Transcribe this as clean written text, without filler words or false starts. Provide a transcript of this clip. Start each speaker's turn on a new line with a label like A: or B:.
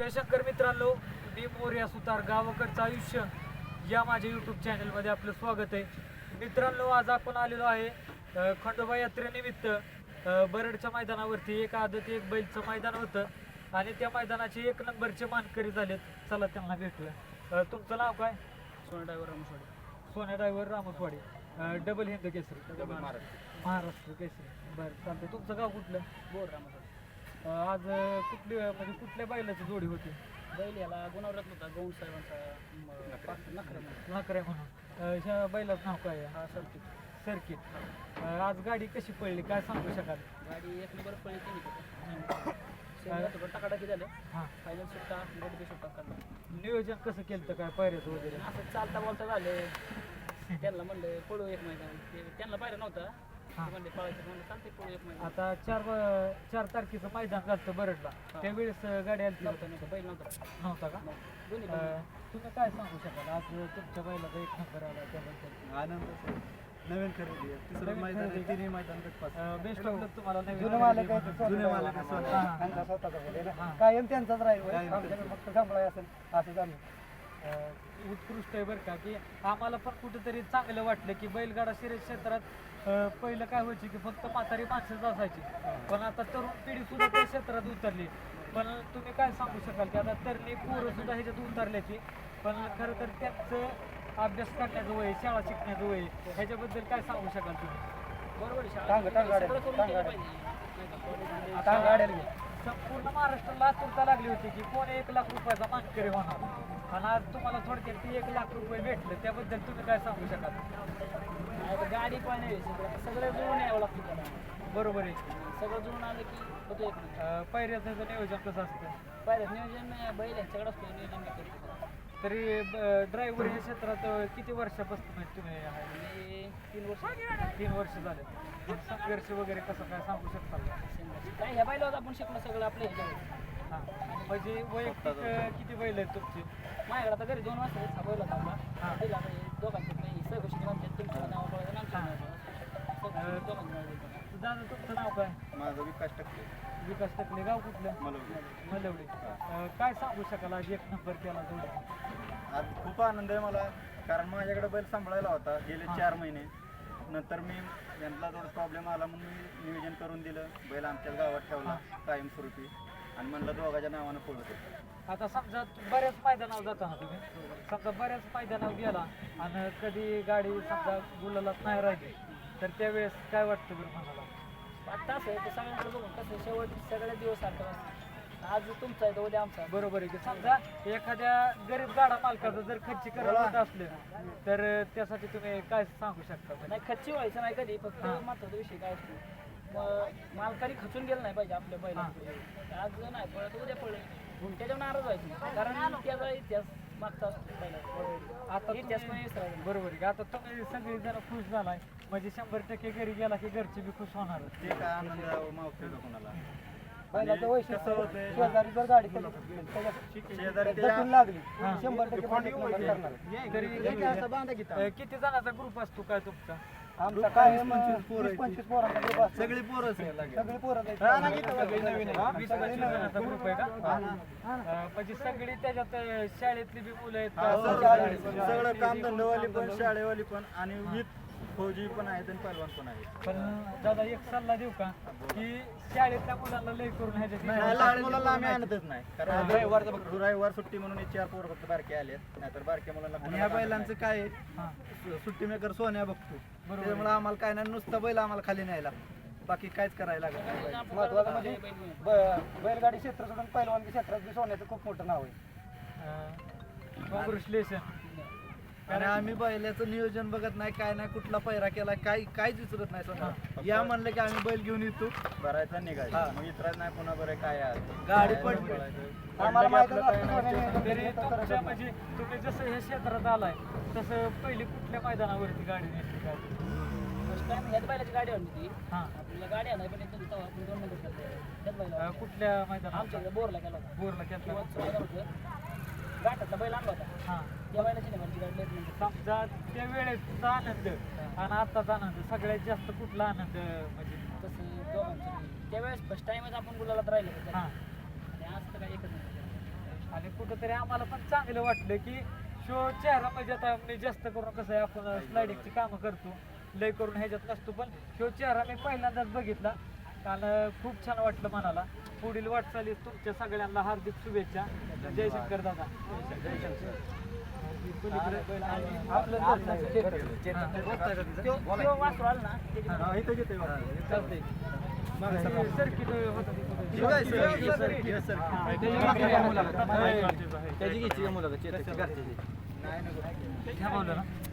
A: शिवशंकर मित्रांनो, मी मोर्या सुतार गावाकडचं आयुष्य या माझ्या यूट्यूब चॅनलमध्ये आपलं स्वागत आहे. मित्रांनो, आज आपण आलेलो आहे खंडोबा यात्रेनिमित्त बरडच्या मैदानावरती. एक आदत एक बैलचं मैदान होतं आणि त्या मैदानाचे 1 नंबरचे मानकरी झालेत. चला त्यांना भेटूया. तुमचं नाव काय?
B: सोना driver Ramaswadi.
A: Sonya driver Ramaswadi. Double Hind Kesari,
B: double
A: Maharashtra Kesari. बरं, चालतं. तुमचं गाव कुठलं?
B: बोर रामसवाडी.
A: आज कुठली म्हणजे कुठल्या बैलाची जोडी होती?
B: बैल याला गुणावरत होता गौण साहेबांचा
A: नाकरे म्हणून. ह्या बैलाचं नाव काय आहे?
B: हा सर्किट.
A: सर्किट. आज गाडी कशी पडली काय सांगू शकाल?
B: गाडी 1 नंबर पळी केली टाकाटाकी झाले.
A: हां,
B: फायनल सुट्टा गडबी सुट्टा काढला.
A: नियोजन कसं केलं तर काय पायऱ्याचं वगैरे?
B: असं चालता बोलता झाले. त्यांना म्हणलं पळू एक मैदान. त्यांना पायऱ्या नव्हता.
A: हां.
B: म्हणले पळायचं म्हणलं चालते पळू एक मैदान.
A: आता 4 तारखेचं मैदान झालं बरडला. त्यावेळेस गाडी आली
B: नव्हता नव्हता बैल नव्हता.
A: नव्हता का?
B: दोन्ही
A: तुम्ही काय सांगू शकाल आज तुमच्या बैलाचा 1 नंबर आला त्याबद्दल?
C: आनंद. नवीन खरेदी आहे. तिसरं मैदान आहे. तिन्ही मैदान
A: बेस्ट ऑफ लक तुम्हाला.
C: जुने मालक आहे ते
A: जुने
C: मालक आहे. त्यांचा स्वतःचा बैल आहे ना.
A: हां.
C: कायम त्यांचाच राहील.
A: कायम
C: आमच्याकडे फक्त सांभाळाय असेल असं झालं.
A: उत्कृष्ट आहे बरं का, की आम्हाला पण कुठेतरी चांगलं वाटलं की बैलगाडा शर्यत क्षेत्रात पहिलं काय व्हायचं की फक्त म्हातारी माणसंच असायची, पण आता तरुण पिढी सुद्धा त्या क्षेत्रात उतरली. पण तुम्ही काय सांगू शकाल की आता तरुणी पोरं सुद्धा ह्याच्यात उतरल्याची, पण खरं तर त्यांचं अभ्यास करण्याचं वय, शाळा शिकण्याचं वय, ह्याच्याबद्दल काय सांगू शकाल तुम्ही?
B: बरोबर आहे.
C: टांग गाड्या
B: सगळं करून केलं पाहिजे.
C: आता गाड्याला घे.
A: संपूर्ण महाराष्ट्राला आतुरता लागली होती की कोण 1 लाख रुपयाचा मानकरी होणार, आणि आज तुम्हाला थोडक्यात ती 1 लाख रुपये भेटले. त्याबद्दल तुम्ही काय सांगू शकाल?
B: आता गाडी पण आहे. सगळं जुळून यावं लागतं त्याला.
A: बरोबर आहे.
B: सगळं जुळून आलं की होतं एक मिनिट.
A: पायऱ्याचं नियोजन कसं असतं?
B: पाहिलं नियोजन बैल यांच्याकडे असतो. नियोजन मी करतो.
A: तरी ड्रायव्हर या क्षेत्रात किती वर्षापासून म्हणजे तुम्ही आहे?
B: आणि 3 वर्ष
A: 3 वर्ष झाले. मग संघर्ष वगैरे कसं काय सांगू शकता का?
B: काय ह्या बैलावर आपण शिकलो सगळं आपल्या ह्याच्यावर.
A: हां, म्हणजे वैयक्तिक किती बैल आहेत तुमची?
B: माझ्याकडे आता घरी 2 वाजता हा बैल होता आपला.
A: हां.
B: बैल आता हे दोघांचे नाही सहगोष्टी म्हणतात. तुमचं नाव पळायचं आमचं नाव पळायचं. दोघांचं नाव द्यायचं.
A: दादा तुमचं नाव काय?
C: माझं विकास टक्के
A: विकास टकले. गाव कुठलं? मलवडी. काय सांगू शकाल आज 1 नंबर केला जोडी?
C: आज खूप आनंद आहे मला, कारण माझ्याकडे बैल सांभाळायला होता गेले 4 महिने. नंतर मी यांना थोडा प्रॉब्लेम आला म्हणून मी नियोजन करून दिलं. बैल आमच्याच गावात ठेवला कायमस्वरूपी आणि म्हणलं दोघाच्या नावानं पळत.
A: आता समजा बऱ्याच मैदानावर जाता ना तुम्ही, समजा बऱ्याच मैदानावर गेला आणि कधी गाडी समजा गुलालात नाही राहिली, तर त्यावेळेस काय वाटतं बरं मनाला?
B: आता असं आहे ते सगळ्यांकडे बघून कसं शेवट सगळे दिवस सारखं असतं. आज तुमचा आहे तर उद्या आमचा.
A: बरोबर आहे की समजा एखाद्या गरीब गाडा मालकाचं जर खर्ची करायला होत असले तर त्यासाठी तुम्ही काय सांगू शकता?
B: नाही खच्ची व्हायचं नाही कधी. फक्त महत्वाचा विषय काय असतो, मालकाने खचून गेलं नाही पाहिजे आपल्या पहिला. आज नाही पळत उद्या पळले त्याच्यावर नाराज व्हायचं नाही, कारण त्याचा इतिहास मागचा असतो पहिला.
A: आता
B: इतिहास पण विसरायचा.
A: बरोबर आहे की आता तुम्ही सगळी जण खुश झालाय म्हणजे 100% घरी गेला की घरचे बी खुश होणार.
C: ते काय आनंद मावतो का कोणाला.
A: बैलाचं
C: वैशिष्ट्य होतंय,
A: शेजारी जर गाडी
C: शेजारी
A: लागली
C: 100%
A: तरी किती जणांचा ग्रुप असतो काय तुमचा?
C: आमचा काय 20-25 पोरांचा ग्रुप असतो. सगळी पोरच आहे. सगळी पोरच आहे.
A: 20-25 जणांचा ग्रुप आहे का? म्हणजे सगळी त्याच्यात शाळेतली बी मुलं आहेत का?
C: सगळं कामधंदावाली पण शाळेवाली पण आणि विथ फौजी पण आहेत आणि पहलवान पण आहेत.
A: पण दादा एक सल्ला देऊ का की शाळेतल्या मुलांना लय करून
C: नाही, लहान मुलांना आम्ही आणतच नाही, कारण रविवार सुट्टी म्हणून हे 4 पोरं फक्त बारके आले, नाहीतर बारक्या मुलांना. ह्या बैलांचं काय आहे, सुट्टी मेकर सोन्या बघतो, त्यामुळे आम्हाला काय नाही, नुसतं बैल आम्हाला खाली न्यायला, बाकी काहीच करायला लागत नाही. महत्वाचं म्हणजे बैलगाडी क्षेत्र सोडून पहिलवानगी क्षेत्रात बी सोन्याचं खूप मोठं नाव आहे.
A: कॉंग्रॅच्युलेशन.
C: आणि आम्ही बैलाचं नियोजन बघत नाही, काय नाही, कुठला पैरा केला काहीच विचारत नाही. समजा या म्हणलं की आम्ही बैल घेऊन येतो, भरायचा निघायचा, मग विचारत नाही पुन्हा बरं काय गाडी पडली.
A: आम्हाला माहिती तुमच्या म्हणजे तुम्ही जसं हे क्षेत्रात आलाय तसं पहिली कुठल्या मैदानावरती गाडी नेसली काय?
B: फर्स्ट टाइम ह्याच बैलाची गाडी आणली ती.
A: हां,
B: आपल्याला गाडी आणाय पण येत नव्हती. आपण 2 नंबर केला त्याच बैला.
A: कुठल्या मैदानात?
B: आमच्या इकडे बोरला गेला होता.
A: बोरला केला.
B: किंवा मैदान होतं घाटातला बैल आणला होता.
A: हां,
B: त्या बैलाची नाही माझी गाडी लेट नंबर.
A: समजा त्या वेळेचा आनंद आणि आत्ताचा आनंद सगळ्यात जास्त कुठला आनंद म्हणजे?
B: तसं दोघांचं त्यावेळेस फर्स्ट टाइमच आपण गुलालात राहिलो.
A: हां,
B: आणि आज तर काय एकच नाही.
A: कुठंतरी आम्हाला पण चांगलं वाटलं की शो चेहरा म्हणजे आता मी जास्त करून कसं आहे आपण स्लायडिंगची कामं करतो लय करून ह्याच्यात नसतो पण शो चेहरा मी पहिल्यांदाच बघितला आणि खूप छान वाटलं मनाला पुढील वाटचालीस तुमच्या सगळ्यांना हार्दिक शुभेच्छा जयशंकर दादा आपलं
B: तो वासरू आला ना
C: हा, इथं घेतोय बघा.
A: सर्किट
C: ठीक आहे, सर. हे सर.
A: घ्या बोललं ना